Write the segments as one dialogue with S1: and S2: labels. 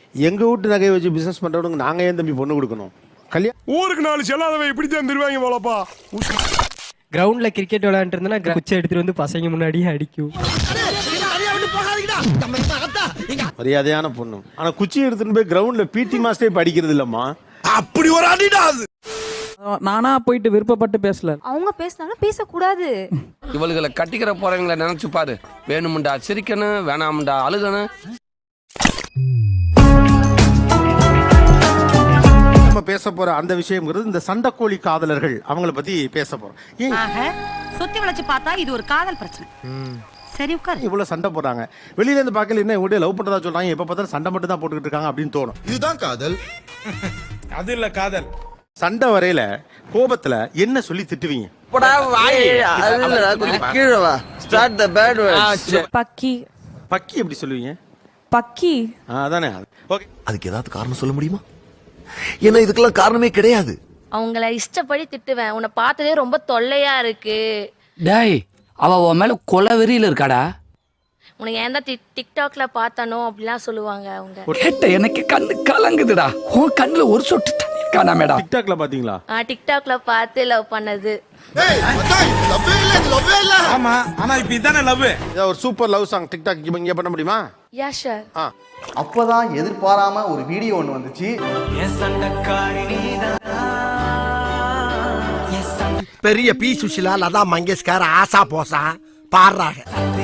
S1: எங்க வீட்டு நகையை வச்சு பிசினஸ் பண்றவங்க நாங்க ஏன் தம்பி பொண்ணு கொடுக்கணும்? கல்யாணம்
S2: ஊருக்கு 4 செல்லாதவன் இப்படி தான் திருவாங்க போலப்பா.
S3: கிரவுண்ட்ல கிரிக்கெட் விளையாண்டு இருந்தா குச்சி எடுத்துட்டு வந்து பசங்க முன்னாடியே அடிக்கும்.
S1: மரியாதையான பொண்ணு. ஆனா குச்சி எடுத்துட்டு போய் கிரவுண்ட்ல பிடி மாஸ்டரே படிக்கிறது இல்லம்மா.
S2: அப்படி ஒரு அடிடா அது.
S4: நானா போயிட்டு விருப்பப்பட்டு பேசல.
S5: அவங்க பேசினாலும் பேசக்கூடாது.
S6: இவளுகளை கட்டிக்கிற போறவங்களை நினைச்சு பாரு. வேணுமுண்டா சிரிக்கணும், வேணாமுண்டா அழுகணும்.
S1: நம்ம பேச போற அந்த விஷயம்ங்கிறது இந்த சண்டைக்கோழி காதலர்கள் அவங்கள பத்தி பேச போறோம்.
S7: சுத்தி வளைச்சு பார்த்தா இது ஒரு காதல் பிரச்சனை. சரி உட்கார்.
S1: இவ்வளவு சண்டை போடுறாங்க. வெளியில இருந்து பார்க்கல என்ன இவங்க லவ் பண்றதா சொல்றாங்க. எப்ப பார்த்தாலும் சண்டை மட்டும் தான் போட்டுக்கிட்டு இருக்காங்க அப்படின்னு தோணும்.
S2: இதுதான் காதல். அது இல்ல காதல்.
S1: சண்டை வரையில கோபத்துல என்ன சொல்லி திட்டுவீங்க?
S5: பக்கி
S1: பக்கி எப்படி சொல்லுவீங்க?
S5: பக்கி
S1: அதானே. ஓகே,
S8: அதுக்கு ஏதாவது காரணம் சொல்ல முடியுமா? ஏன்னா இதுக்கெல்லாம் காரணமே கிடையாது.
S9: அவங்கள இஷ்டப்படி திட்டுவேன். உன்னை பார்த்ததே ரொம்ப தொல்லையா இருக்கு.
S6: டேய், அவ உன் மேல கொலை வெறியில இருக்காடா.
S9: உனக்கு ஏன் தான் டிக்டாக்ல பார்த்தானோ அப்படிலாம் சொல்லுவாங்க அவங்க.
S6: எனக்கு கண்ணு கலங்குதுடா. உன் கண்ணுல ஒரு சொட்டு தண்ணி காணாமேடா.
S1: டிக்டாக்ல பாத்தீங்களா?
S9: டிக்டாக்ல பார்த்து லவ் பண்ணது.
S2: ஆமா, ஆனா இப்ப இதானே லவ்.
S1: ஒரு சூப்பர் லவ் சாங் டிக்டாக் இங்க பண்ண முடியுமா?
S9: Yeah sure.
S8: அப்பதான் எதிர்பாராம ஒரு வீடியோ ஒண்ணு வந்துச்சு.
S2: பெரிய பி சுஷிலா, லதா மங்கேஷ்கர், ஆசா போசா பாடுறாங்க.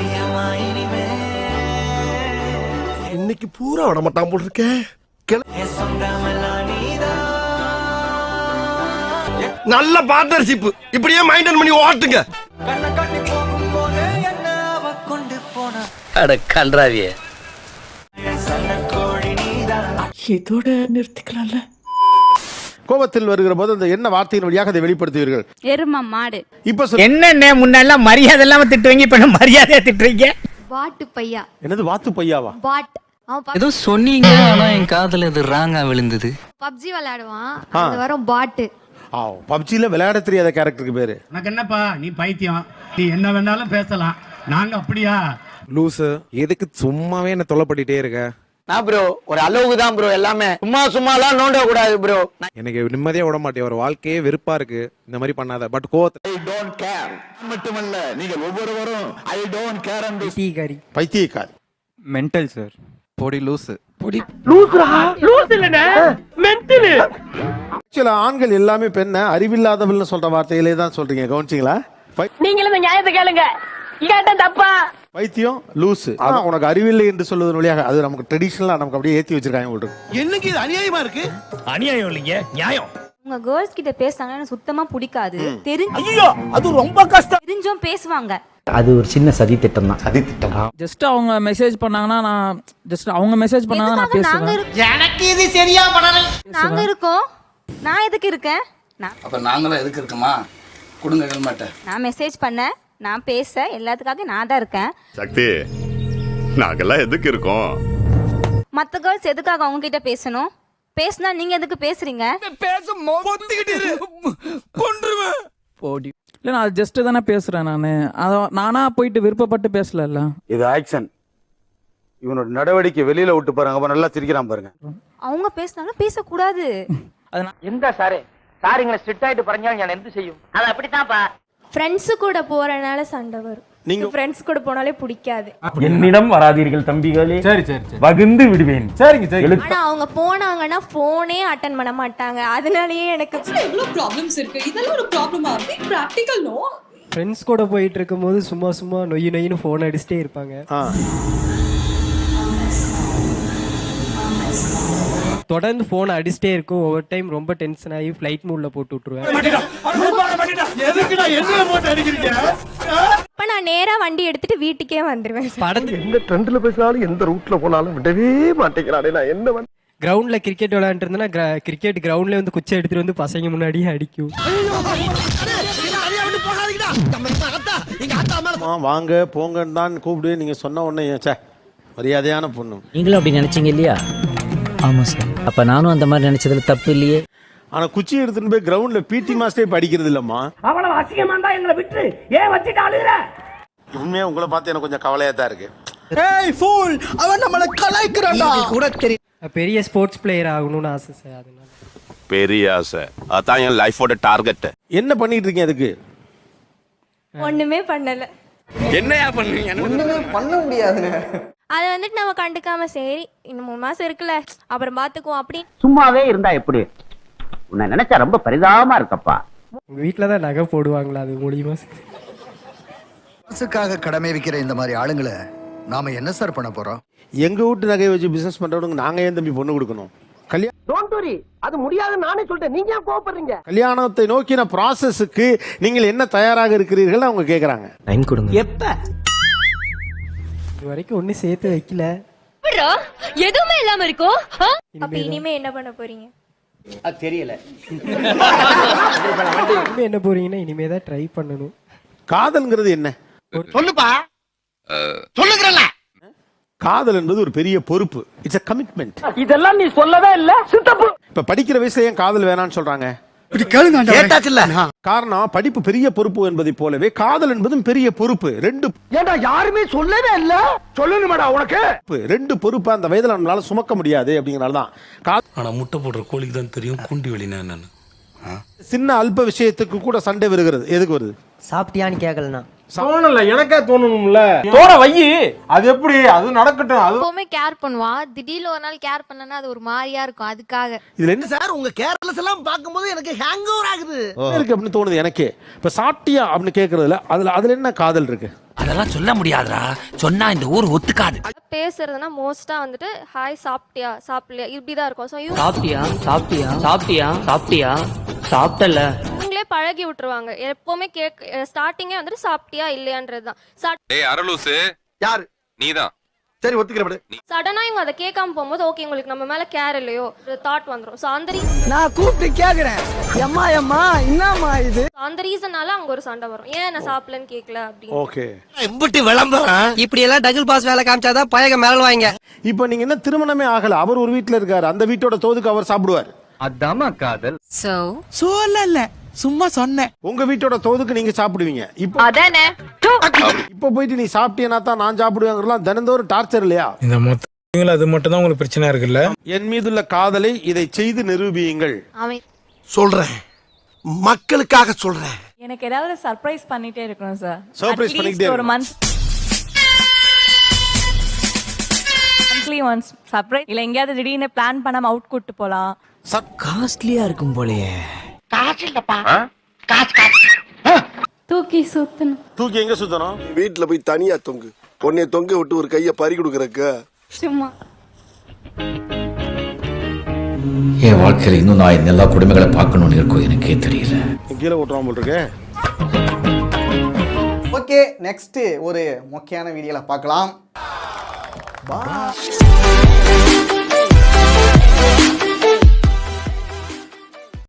S2: இன்னைக்கு பூரா விட மாட்டான் போல் இருக்க. நல்ல பார்ட்னர்ஷிப். இப்படியே மைண்டன் பண்ணி ஓட்டுங்க.
S6: அட கன்றாவியே.
S4: இதோட நிறுத்திக்கலாம்ல.
S1: கோபத்தில் வருகிற போது அந்த என்ன வார்த்தையின் வழியாக அதை வெளிப்படுத்துவீர்கள்?
S5: எரும மாடு.
S1: இப்ப
S3: என்ன முன்னால மரியாதை இல்லாம திட்டுவீங்க, இப்ப மரியாதையா திட்டுறீங்க.
S5: வாட்டு பையா.
S1: என்னது வாத்து பையாவா?
S5: வாட்.
S3: ஏதோ சொன்னீங்க, ஆனா என் காதுல இது ராங்கா விழுந்தது.
S5: பப்ஜி விளையாடுவான். அது வரும் பாட்டு.
S1: பப்ஜில விளையாட தெரியாத கேரக்டருக்கு பேரு.
S10: எனக்கு என்னப்பா, நீ பைத்தியம், நீ என்ன வேணாலும் பேசலாம், நாங்க அப்படியா?
S2: லூசு, எதுக்கு சும்மாவே என்ன தொல்லை பண்ணிட்டே இருக்க?
S3: நான் ப்ரோ ஒரு அளவுக்கு தான் ப்ரோ, எல்லாமே சும்மாலாம் நோண்ட கூடாது ப்ரோ.
S2: எனக்கு நிம்மதியா விட மாட்டேன். ஒரு வாழ்க்கையே வெறுப்பா இருக்கு. இந்த மாதிரி பண்ணாத. பட் கோவத்தை
S8: மட்டுமல்ல, நீங்கள் ஒவ்வொருவரும் ஐ டோன்ட் கேர் அண்ட்
S3: பைத்தியக்காரி.
S1: பைத்தியக்காரி.
S3: Mental sir.
S2: பொடி லூசு. பொடி
S1: சில ஆண்கள் எல்லாமே பெண்ண அறிவில்லாதவள்னு சொல்ற வார்த்தையிலே தான் சொல்றீங்க. கவனிச்சிங்களா?
S9: நீங்களும் இந்த நியாயத்தை கேளுங்க. கேட்டா தப்பா?
S1: பைத்தியம், லூசு. அதான் உனக்கு அறிவில்லை என்று சொல்வதன் வழியாக அது நமக்கு ட்ரெடிஷனலா நமக்கு அப்படியே ஏத்தி வச்சிருக்காங்க உங்களுக்கு.
S2: என்னங்க இது அநியாயமா இருக்கு? அநியாயம் இல்லைங்க, நியாயம்.
S5: உங்க கேர்ள்ஸ் கிட்ட பேசுனாங்கன்னா எனக்கு சுத்தமா பிடிக்காது.
S2: ஐயோ, அது ரொம்ப கஷ்டம்.
S5: தெரிஞ்சும் பேசுவாங்க.
S3: அது ஒரு சின்ன சதி திட்டம் தான்.
S8: சதி திட்டம்.
S4: ஜஸ்ட் அவங்க மெசேஜ் பண்ணாங்கன்னா நான் அவங்க மெசேஜ் பண்ணாங்கன்னா நான் பேசுவேன்.
S7: எனக்கு இது சரியா பண்ணல.
S5: நாங்க இருக்கோம். நான் எதுக்கு இருக்கேன்?
S6: அப்ப நாங்களும் எதுக்கு இருக்கோமா? கொடுங்க ஹெல்மெட்.
S5: நான் மெசேஜ் பண்ண, நான் பேச, எல்லாத்துக்காக நான் தான் இருக்கேன்.
S11: சக்தி, நாங்கெல்லாம் எதுக்கு இருக்கோம்?
S5: மத்த கேர்ள்ஸ் எதுக்காக அவங்க கிட்ட பேசணும்? பேசினா நீங்க எதுக்கு பேசுறீங்க?
S4: இல்ல நான் ஜஸ்ட் தானே பேசுறேன். நானா போயிட்டு விருப்பப்பட்டு பேசல.
S8: இது ஆக்ஷன். இவனோட நடவடிக்கை வெளியில விட்டு பாருங்க. நல்லா சிரிக்கிறான் பாருங்க.
S5: அவங்க பேசினாலும் பேசக்கூடாது.
S7: எந்த சாரே சாரிங்களை ஸ்ட்ரிக்ட் ஆயிட்டு பறஞ்சாலும் நான் என்ன செய்யும்? அது அப்படித்தான்ப்பா.
S5: ஃப்ரெண்ட்ஸ் கூட போறனால சண்டை வரும். நீங்க ஃப்ரெண்ட்ஸ் கூட போனாலே பிடிக்காது.
S10: என்னிடம் வராதீர்கள் தம்பிகளே. சரி சரி சரி, வகுந்து விடுவேன். சரிங்க சரி.
S5: ஆனா அவங்க போனாங்கன்னா போனே அட்டெண்ட் பண்ண மாட்டாங்க. அதனாலயே எனக்கு
S7: இவ்ளோ ப்ராப்ளம்ஸ் இருக்கு. இதெல்லாம் ஒரு ப்ராப்ளமா? Practical no.
S3: ஃப்ரெண்ட்ஸ் கூட போயிட்டு இருக்கும்போது சும்மா நொய்னு போன் அடிச்சுட்டே இருப்பாங்க. தொடர்ந்து போன் அடிச்சுட்டே இருக்கும். ஒவ்வொரு டைம் ரொம்ப டென்ஷன் ஆகி ஃப்ளைட் மூட்ல போட்டு விட்டுருவேன்.
S5: இப்ப நான் நேரா வண்டி எடுத்துட்டு வீட்டுக்கே வந்துருவேன்.
S2: எந்த ட்ரெண்ட்ல பேசினாலும் எந்த ரூட்ல போனாலும் விடவே மாட்டேங்கிறானே. நான் என்ன
S3: கிரவுண்ட்ல கிரிக்கெட் விளையாண்டு இருந்தா கிரிக்கெட் கிரவுண்ட்ல வந்து குச்சி எடுத்துட்டு வந்து பசங்க முன்னாடியே அடிக்கும்.
S1: வாங்க போங்கன்னு தான் கூப்பிடு. நீங்க சொன்ன உடனே மரியாதையான பொண்ணு.
S3: நீங்களும் அப்படி நினைச்சீங்க இல்லையா? ஆமா சார். அப்ப நானும் அந்த மாதிரி நினைச்சதுல தப்பு இல்லையே.
S1: ஆனா குச்சி எடுத்துட்டு போய் கிரவுண்ட்ல பிடி மாஸ்டரே படிக்கிறது இல்லம்மா.
S7: அவ்வளவு அசிங்கமா இருந்தா எங்களை விட்டு ஏன் வச்சிட்டு அழுகுற?
S1: உண்மையா உங்களை பார்த்து எனக்கு கொஞ்சம் கவலையா தான் இருக்கு.
S2: ஏய் ஃபூல், அவன் நம்மள கலாய்க்கறான்டா. கூட தெரியும்.
S3: பெரிய ஸ்போர்ட்ஸ் பிளேயர் ஆகணும்னு ஆசை சார். அதனால
S11: பெரிய ஆசை அதான் என் லைஃபோட டார்கெட்.
S1: என்ன பண்ணிட்டு இருக்கீங்க அதுக்கு?
S5: ஒண்ணுமே பண்ணல.
S6: என்னையா பண்ணுவீங்க?
S7: ஒண்ணுமே பண்ண முடியாதுங்க.
S5: அதை வந்துட்டு நம்ம கண்டுக்காம சரி இன்னும் 3 மாசம் இருக்குல்ல அப்புறம் பாத்துக்குவோம் அப்படி
S7: சும்மாவே இருந்தா எப்படி? உன்னை நினைச்சா ரொம்ப பரிதாபமா இருக்கப்பா.
S3: உங்க வீட்டில் தான் நகை போடுவாங்களா அது மூலியமா?
S2: காசுக்காக கடமை வைக்கிற இந்த மாதிரி ஆளுங்களை நாம என்ன சார் பண்ண போறோம்?
S1: எங்க வீட்டு நகையை வச்சு பிசினஸ் பண்றவனுக்கு நாங்க ஏன் தம்பி பொண்ணு கொடுக்கணும்?
S7: டோன்ட் வரி, அது முடியாதுன்னு நானே சொல்லிட்டேன். நீங்க ஏன் கோவப்படுறீங்க?
S1: கல்யாணத்தை நோக்கின ப்ராசஸுக்கு நீங்கள் என்ன தயாராக இருக்கிறீர்கள் அவங்க கேக்குறாங்க.
S3: டைம் கொடுங்க.
S7: எப்ப?
S3: இது வரைக்கும் ஒன்றும் சேர்த்து வைக்கல.
S5: எதுவுமே இல்லாம இருக்கும்.
S3: அப்ப
S5: இனிமே என்ன பண்ண போறீங்க?
S7: அது தெரியல.
S3: இனிமே என்ன போறீங்கன்னா இனிமே தான் ட்ரை பண்ணணும்.
S1: காதல்ங்கிறது என்ன?
S2: சொல்லுப்பா, சொல்லுங்கறல.
S1: காதல் என்பது ஒரு பெரிய பொறுப்பு. It's a commitment.
S7: இதெல்லாம் நீ சொல்லவே இல்ல சித்தப்பு.
S1: இப்ப படிக்கிற வயசுல ஏன் காதல் வேணாம்னு சொல்றாங்க?
S2: கேட்டாச்சுல்ல.
S1: காரணம் படிப்பு பெரிய பொறுப்பு என்பதை போலவே காதல் என்பதும் பெரிய பொறுப்பு.
S7: ஏண்டா யாருமே சொல்லவே இல்ல. சொல்லணுமாடா உனக்கு?
S1: ரெண்டு பொறுப்பு அந்த வயதுல நம்மளால சுமக்க முடியாது அப்படிங்கறதுனால தான்.
S6: ஆனா முட்டை போடுற கோழிக்கு தான் தெரியும் குண்டி வெளினா என்னன்னு.
S1: சின்ன அல்ப விஷயத்துக்கு கூட சண்டை வருகிறது. எதுக்கு வருது?
S3: சாப்பிட்டியான்னு கேட்கலண்ணா.
S10: தோணல, எனக்கே தோணணும்ல. தோண வையி, அது எப்படி? அது நடக்கட்டும். அது
S5: எப்பவுமே கேர் பண்ணுவான். திடீர்னு ஒரு நாள் கேர் பண்ணனா அது ஒரு மாதிரியா இருக்கும். அதுக்காக
S1: இதுல என்ன
S2: சார் உங்க கேர்லெஸ் எல்லாம் பாக்கும்போது எனக்கு ஹேங் ஓவர் ஆகுது
S1: இருக்கு அப்படின்னு தோணுது எனக்கு. இப்ப சாப்பிட்டியா அப்படின்னு கேக்குறதுல அதுல என்ன காதல் இருக்கு?
S7: அதெல்லாம் சொல்ல முடியாதுடா. சொன்னா இந்த ஊர் ஒத்துக்காது.
S5: பேசுறதுனா மோஸ்டா வந்துட்டு ஹாய் சாப்பிட்டியா சாப்பிடலையா இப்படிதான் இருக்கும். சோ
S7: சாப்பிட்டியா சாப்பிட்டியா சாப்பிட்டியா சாப்பிட்டியா சாப்பிட்டல
S5: இவங்களே பழகி விட்டுருவாங்க. எப்பவுமே ஸ்டார்டிங்கே வந்துட்டு சாப்பிட்டியா இல்லையான்றதுதான்.
S11: ஏய் அரலூசு,
S8: யாரு?
S11: நீதான்.
S8: சரி ஒத்துக்கிறேன்.
S5: சடனா இவங்க அதை கேட்காம போகும்போது ஓகே உங்களுக்கு நம்ம மேல கேர் இல்லையோ ஒரு தாட் வந்துரும். சோ அந்த
S7: நான் கூப்பிட்டு கேக்குறேன். எம்மா எம்மா என்னம்மா இது?
S5: அந்த ரீசனால அங்க ஒரு சண்டை வரும். ஏன் நான் சாப்பிடலன்னு கேட்கல அப்படின்னு.
S1: ஓகே.
S2: எம்பிட்டு விளம்பரம்.
S3: இப்படி எல்லாம் டபுள் பாஸ் வேலை காமிச்சாதான் பயக மேல வாங்க.
S1: இப்ப நீங்க என்ன திருமணமே ஆகல, அவர் ஒரு வீட்டுல இருக்காரு, அந்த வீட்டோட தோதுக்கு அவர் சாப்பிடுவார்.
S7: அதாம்மா காதல்.
S2: சொல்லல, சும்மா சொன்னேன்.
S1: உங்க வீட்டோட தோதுக்கு நீங்க சாப்பிடுவீங்க. இப்போ
S5: அதானே
S1: இப்ப போயிட்டு நீ சாப்பிட்டேனா தான் நான் சாப்பிடுவேங்கிறலாம் தினந்தோறும் டார்ச்சர் இல்லையா?
S10: இந்த மொத்த அது மட்டும் தான் உங்களுக்கு பிரச்சனை இருக்குல்ல.
S1: என் மீதுள்ள காதலை இதை செய்து நிரூபியுங்கள்.
S2: சொல்றேன், மக்களுக்காக சொல்றேன்.
S9: எனக்கு ஏதாவது சர்ப்ரைஸ் பண்ணிட்டே இருக்கணும் சார்.
S1: சர்ப்ரைஸ் பண்ணிட்டே
S9: ஒரு மந்த்லி ஒன்ஸ் சர்ப்ரைஸ் இல்ல எங்கயாவது திடீர்னு பிளான் பண்ணாம அவுட் கூட்டு போலாம்.
S7: காஸ்ட்லியா இருக்கும் போலயே.
S2: காசு இல்லப்பா.
S5: தூக்கி சுத்தணும்.
S1: தூக்கி எங்க சுத்தணும்?
S2: வீட்டுல போய் தனியா தொங்கு. பொண்ணைய தொங்க விட்டு ஒரு கைய பறி கொடுக்கறக்கு.
S5: சும்மா
S7: என் வாழ்க்கையில இன்னும் நான் எல்லா குடும்பங்களை பார்க்கணும்னு இருக்கும் எனக்கே தெரியல.
S1: கீழே ஓட்டுறான் போல் இருக்கு.
S7: ஓகே, நெக்ஸ்ட் ஒரு முக்கியமான வீடியோல பார்க்கலாம்.